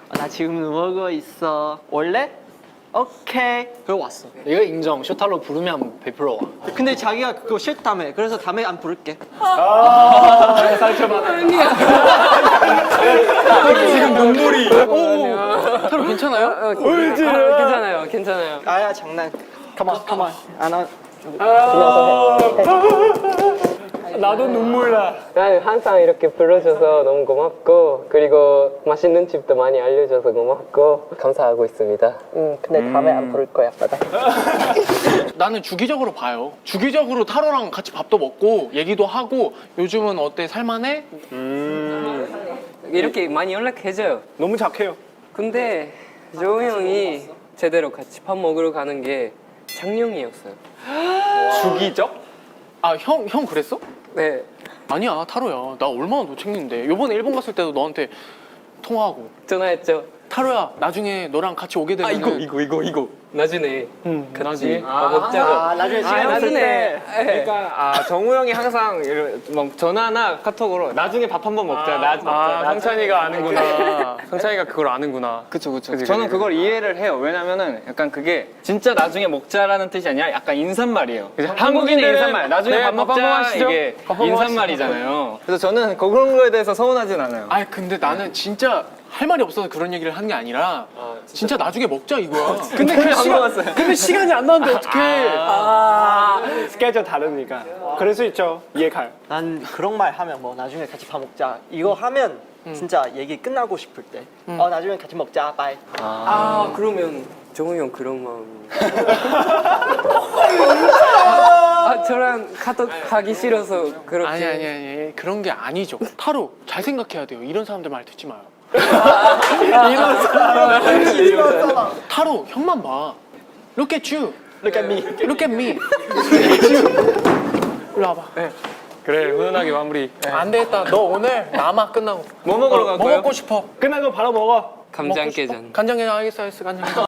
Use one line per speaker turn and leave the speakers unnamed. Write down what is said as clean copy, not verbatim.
나 지금 누워고 있어. 원래? 오케이.
그리고 왔어. 이거 인정. 쇼타로 부르면 100% 와.
근데 자기가 그거 싫다며. 그래서 다음에 안 부를게.
지금 눈물이.
타로 괜찮아요?
괜찮아요, 괜찮아요.
아야 장난. 가만 가만. 안
나도 눈물 나.
나는 항상 이렇게 불러줘서 너무 고맙고, 그리고 맛있는 집도 많이 알려줘서 고맙고 감사하고 있습니다.
근데 다음에 안 부를 거야.
나는 주기적으로 봐요. 주기적으로 타로랑 같이 밥도 먹고 얘기도 하고 요즘은 어때? 살만해?
이렇게 많이 연락해줘요.
너무 착해요.
근데 조우 형이 제대로 같이 밥 먹으러 가는 게 작년이었어요.
주기적?
아, 형 그랬어?
네.
아니야, 타로야. 나 얼마나 너 챙기는데. 요번에 일본 갔을 때도 너한테 통화하고.
전화했죠.
타로야, 나중에 너랑 같이 오게 되면
이거.
나중에
나중에
밥 먹자고.
나중에 시간 있을 때.
그러니까 정우 형이 항상 막 전화나 카톡으로 나중에 밥 한번 먹자.
성찬이가 아는구나. 성찬이가 그걸 아는구나.
그쵸. 저는 그걸 이해를 해요. 왜냐면은 약간 그게 진짜 나중에 먹자라는 뜻이 아니라 약간 인사말이에요. 한국인의 인사말. 나중에
네,
밥
밥 한번
먹자
하시죠.
이게
밥 한번
인사말이잖아요. 그래서 저는 그런 거에 대해서 서운하진 않아요.
아, 근데 나는 진짜 할 말이 없어서 그런 얘기를 한 게 아니라 진짜 나중에 먹자 이거야.
근데
근데 시간이 안 나는데 어떡해.
스케줄 다르니까. 그럴 수 있죠. 이해가요.
난 그런 말 하면 뭐 나중에 같이 밥 먹자. 이거 하면 진짜 얘기 끝나고 싶을 때. 나중에 같이 먹자. 바이.
그러면 정우 형 그런 마음이. 저랑 카톡 하기 싫어서 그렇게.
아니. 그런 게 아니죠. 타로 잘 생각해야 돼요. 이런 사람들 말 듣지 마요. 타로 형만 봐. Look at you.
Look at me.
Look at me. 일로 와봐.
그래, 훈훈하게 마무리.
안 되겠다. 너 오늘 남아 끝나고.
뭐 먹으러 갈
뭐
거예요?
먹고 싶어?
끝나고 바로 먹어.
감장깨전.
간장게장 알겠어. 간장게장.